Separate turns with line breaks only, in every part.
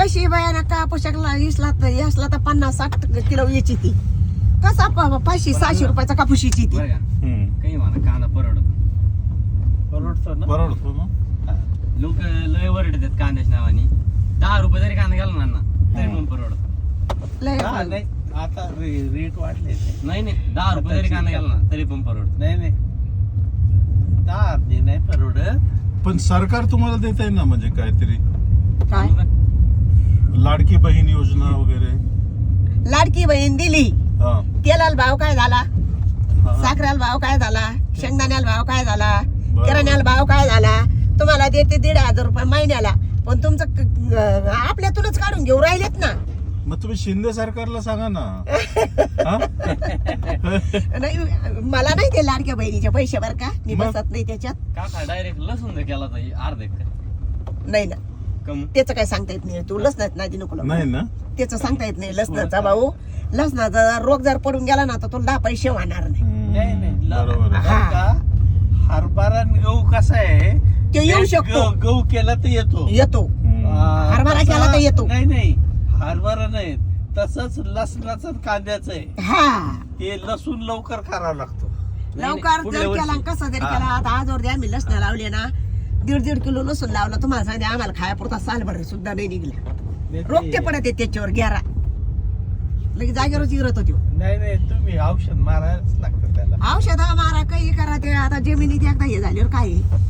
पैसे बाया का पोशाखला इसला तर 50-60 किलो याची ती कसा 500-600 रुपयाचा कापूस याची ती
काही म्हणा कांदा परवडतो ना लोक लय वरडतात कांद्याच्या नावाने 10 रुपये जरी कांदा गेला ना तरी पण परवडतो
लय
आता रेट वाढले
नाही 10 रुपये जरी कांदा गेला ना तरी पण परवडतो
नाही 10 नाही परवडत
पण सरकार तुम्हाला देत आहे ना म्हणजे काहीतरी
काय
लाडकी बहीण योजना वगैरे
लाडकी बहीण दिली
हा
तेलाला भाव काय झाला साखरेला भाव काय झाला शेंगदाण्याला भाव काय झाला किराण्याला भाव काय झाला तुम्हाला देते 1,500 रुपये महिन्याला पण तुमचं आपल्यातूनच काढून घेऊ राहिलेत ना
मग तुम्ही शिंदे सरकारला सांगा ना
नाही मला नाही ते लाडक्या बहिणीचे पैसे बर का मी बसत नाही त्याच्यात
काका डायरेक्ट लसूण केला तर अर्धे
नाही ना
कम
त्याचं काय सांगता येत नाही तू लसणात नाही नको
नाही ना
त्याचं सांगता येत नाही लसणाचा भाऊ लसणाचा रोग जर पडून गेला ना तर तुला 10 पैसे होणार नाही
बरोबर आहे.
हरभरा आणि गहू कसा आहे
ते येऊ शकतो
गहू केला तर येतो
हरभरा केला तर येतो
नाही हरभरा नाही तसंच लसणाचं आणि कांद्याचं आहे
हा
ते लसूण लवकर करावं लागतो
लवकर जर केला कसं जरी केला आता आज दे आम्ही लसणं लावले ना 1.5 किलो लसूण लावला तुम्हाला सांगते आम्हाला खायापुरता सालभर सुद्धा नाही निघला रोगते पडत त्याच्यावर घेरा लगेच जागेवरच इरत होती
नाही तुम्ही औषध मारायलाच लागतं त्याला
औषध मारा काही करा ते आता जमिनीत एकदा हे झाल्यावर काय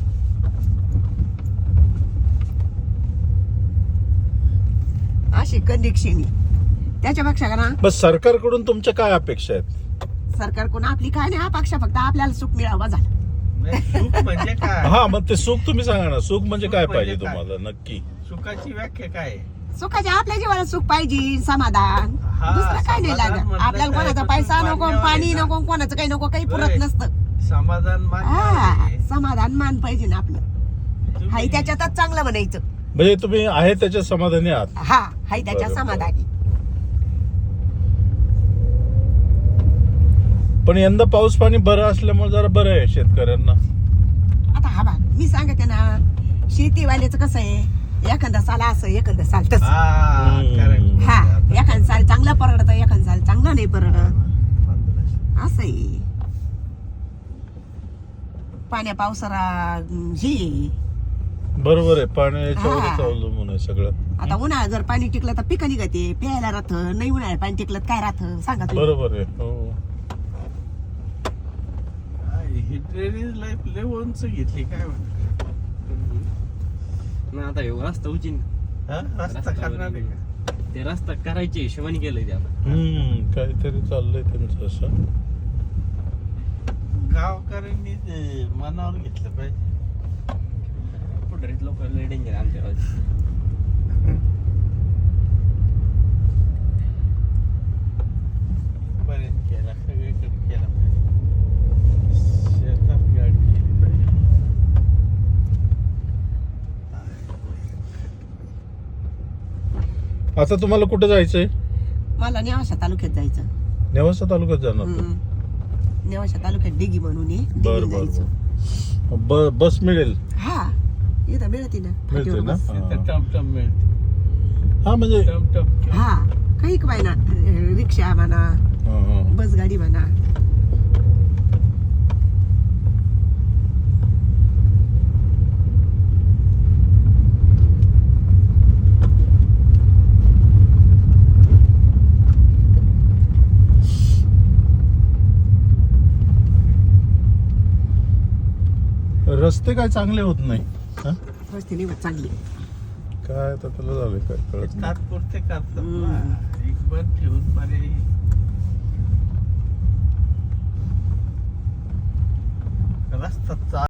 अशी कंडिक्शनी त्याच्यापेक्षा का ना
बस सरकारकडून तुमच्या काय अपेक्षा आहेत
सरकारकडून आपली काय नाही अपेक्षा फक्त आपल्याला सुख मिळावा झालं
सुख म्हणजे काय
हा मग ते सुख तुम्ही सांगा ना सुख म्हणजे काय पाहिजे तुम्हाला नक्की
सुखाची व्याख्या काय आहे?
सुखाच्या आपल्या जीवाला सुख पाहिजे समाधान
हा,
दुसरं काय नाही
समाधान
लागत
म्हटलं
आपल्याला
काय,
कोणाचा
फक्त
पैसा नको
पाणी
पाणी
हवं
नको कोणाचं काही नको काही पुरत
बरं.
नसतं
समाधान मान्य
हा
आहे.
समाधान मान पाहिजे ना आपलं
तुम्ही-
हाय त्याच्यातच चांगलं म्हणायचं
म्हणजे तुम्ही आहे त्याच्या समाधानी आहात
हा हाय त्याच्या
बरोबर.
समाधानी
पण यंदा पाऊस पाणी बरं असल्यामुळे जरा बरं आहे शेतकऱ्यांना
आता हा बघ मी सांगते ना शेतीवाल्याचं कसं आहे एखादा साल असं एखादा साल तसं
हा, correct.
हा एखादा साल चांगला परवडत एखादा साल चांगला नाही परवडत असं आहे पाण्या पावसाला हे
बरोबर आहे पाण्याच्यावरच
हा.
अवलंबून आहे सगळं
आता उन्हाळ्यात जर पाणी टिकलं तर पिकं निघते प्यायला राहत नाही उन्हाळ्यात पाणी टिकलं तर काय राहत सांगा तुम्ही
बरोबर आहे हो
ही ड्रेनेज लाईफ लय उंच घेतली काय म्हणतो
ना आता हे रस्ता उचिन
रस्ता करणार आहे का?
ते रस्ता करायचे हिशोबाने केलंय ते आता
काहीतरी चाललंय त्यांचं असं
गावकऱ्यांनी ते मनावर घेतलं पाहिजे
पुढे लोक लय डेंजर आमच्या गावात.
पर्यंत केला सगळीकडे केला पाहिजे शेतात गाडी केली पाहिजे
आता तुम्हाला कुठे जायचंय
मला नेवाशा तालुक्यात जायचं
नेवासा तालुक्यात जाणार तुम्ही?
नेवाशा तालुक्यात डिगी म्हणून आहे,
बर
डिगीला
बर
जायचं
बर बस मिळेल
हा इथं मिळते ना
मिळते
फाटीवर
ना
बस.
तिथं टमटम मिळते
हा म्हणजे
टमटम
हा काही काय ना रिक्षा म्हणा
हा.
बस गाडी म्हणा
रस्ते काय चांगले होत नाही हा?
रस्ते निवड चांगली
काय आता त्याला झालं काय कळत नाही.
तात्पुरते करतात ना